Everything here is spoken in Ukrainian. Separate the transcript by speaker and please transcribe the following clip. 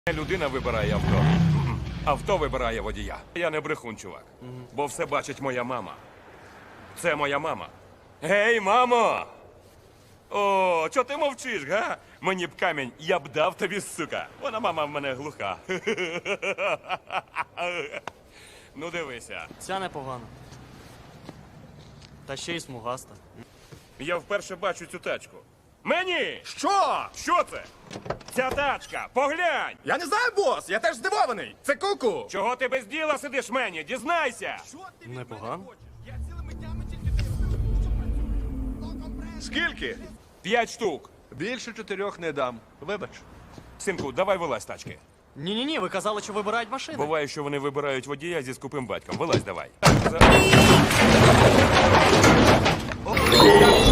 Speaker 1: Людина вибирає авто. Авто вибирає водія. Я не брехун, чувак. Бо все бачить моя мама. Це моя мама. Гей, мамо! О, чо ти мовчиш, га? Мені б камінь, я б дав тобі, сука. Вона мама в мене глуха. Ну дивися.
Speaker 2: Ця непогана. Та ще й смугаста.
Speaker 1: Я вперше бачу цю тачку. Мені!
Speaker 3: Що?
Speaker 1: Що це? Ця тачка! Поглянь!
Speaker 3: Я не знаю, бос, я теж здивований. Це куку.
Speaker 1: Чого ти без діла сидиш, мені? Дізнайся!
Speaker 2: Непогано.
Speaker 3: Скільки?
Speaker 1: 5 штук.
Speaker 3: Більше 4 не дам. Вибач.
Speaker 1: Синку, давай вилазь з тачки.
Speaker 2: Ні-ні-ні, ви казали, що вибирають машини.
Speaker 1: Буває, що вони вибирають водія зі скупим батьком. Вилазь давай.